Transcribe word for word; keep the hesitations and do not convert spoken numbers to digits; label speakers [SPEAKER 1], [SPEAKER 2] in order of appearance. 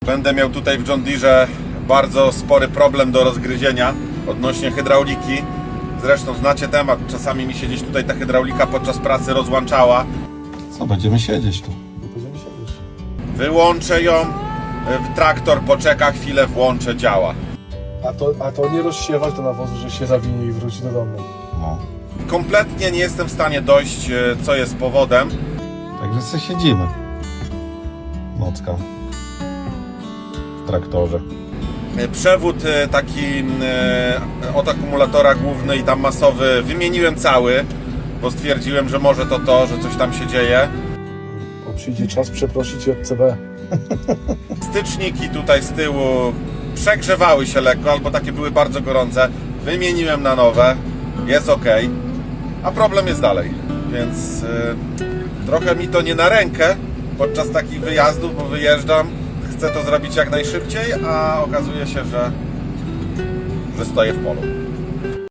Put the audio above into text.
[SPEAKER 1] Będę miał tutaj w John Deere bardzo spory problem do rozgryzienia odnośnie hydrauliki. Zresztą znacie temat, czasami mi się gdzieś tutaj ta hydraulika podczas pracy rozłączała.
[SPEAKER 2] Co, będziemy siedzieć tu?
[SPEAKER 3] Będziemy siedzieć.
[SPEAKER 1] Wyłączę ją, w traktor poczeka chwilę, włączę, działa.
[SPEAKER 3] A to, a to nie rozsiewać do nawozu, że się zawinie i wróci do domu.
[SPEAKER 2] No.
[SPEAKER 1] Kompletnie nie jestem w stanie dojść, co jest powodem.
[SPEAKER 2] Także sobie siedzimy. Nocka. W traktorze.
[SPEAKER 1] Przewód e, taki e, od akumulatora główny i tam masowy wymieniłem cały, bo stwierdziłem, że może to to, że coś tam się dzieje.
[SPEAKER 3] Bo przyjdzie czas przeprosić od C B.
[SPEAKER 1] Styczniki tutaj z tyłu przegrzewały się lekko, albo takie były bardzo gorące. Wymieniłem na nowe, jest ok, a problem jest dalej, więc e, trochę mi to nie na rękę podczas takich wyjazdów, bo wyjeżdżam, chcę to zrobić jak najszybciej, a okazuje się, że, że stoję w polu.